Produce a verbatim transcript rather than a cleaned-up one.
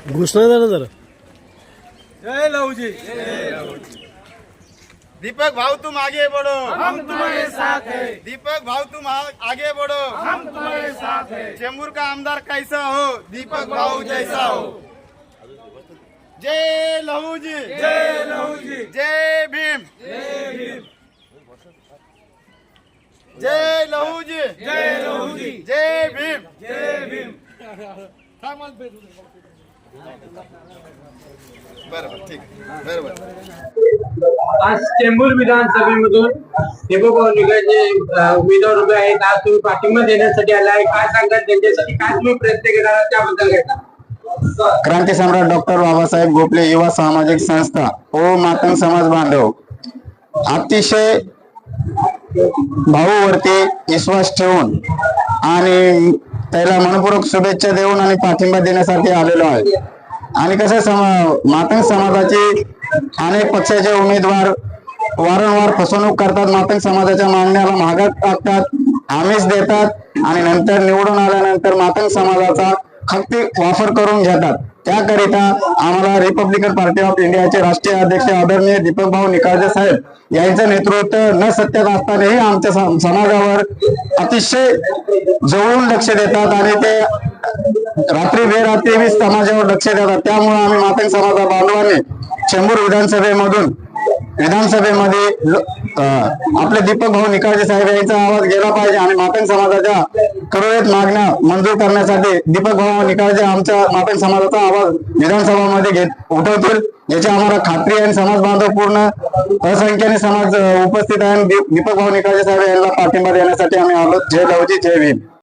घोषणा द्या ना जरा। जय लहूजी। दीपक भाऊ तुम आगे बढ़ो, हम तुम्हारे साथ है। दीपक भाऊ तुम आ- आगे बढ़ो, हम तुम्हारे साथ है। चेंबूर का आमदार कैसा हो, दीपक भाऊ जैसा हो। जय लहू जी, जय लहूजी। जय भीम, जय भीम। जय लहू जी, जय लहूजी। जय भीम। जय भीम। बरोबर, ठीक, बरोबर। आज चेंबूर विधानसभेमधून दीपक निकालचे उमेदवार उभे आहेत। आज तुम्ही पाठिंबा देण्यासाठी आला आहे, काय सांगतात त्यांच्यासाठी काय तुम्ही प्रयत्न केला आहात त्याबद्दल काय सांगा? क्रांती सम्राट डॉक्टर बाबासाहेब गोपले युवा सामाजिक संस्था ओ मातंग समाज बांधव अतिशय भाऊवरती विश्वास ठेवून आणि त्याला मनपूर्वक शुभेच्छा देऊन आणि पाठिंबा देण्यासाठी आलेलो आहे। आणि कसं समा मातंग समाजाचे अनेक पक्षाचे उमेदवार वारंवार फसवणूक करतात, मातंग समाजाच्या मागण्याला महागात टाकतात, आमिष देतात आणि नंतर निवडून आल्यानंतर मातंग समाजाचा खक्ती वापर करून घेतात। त्याकरिता आम्हाला रिपब्लिकन पार्टी ऑफ इंडियाचे राष्ट्रीय अध्यक्ष आदरणीय दीपक भाऊ निकाळजे साहेब यांचं नेतृत्व न सत्यात असतानाही आमच्या समाजावर अतिशय जवळून लक्ष देतात आणि ते रात्री बेरात्री समाजावर लक्ष देतात। त्यामुळे आम्ही मातंग समाजा बांधवांनी चेंबूर विधानसभेमधून विधानसभेमध्ये आपले दीपक भाऊ निकाळजे साहेब यांचा आवाज गेला पाहिजे आणि मातंग समाजाच्या करोडत मागण्या मंजूर करण्यासाठी दीपक भाऊ निकाळजे आमच्या मातंग समाजाचा आवाज विधानसभामध्ये घेत उठवतील याची आम्हाला खात्री आहे। समाज बांधव पूर्ण असंख्याने समाज उपस्थित आहे। दीपक भाऊ निकाळजे साहेब यांना पाठिंबा देण्यासाठी आम्ही आलो। जय लहूजी, जय भीम।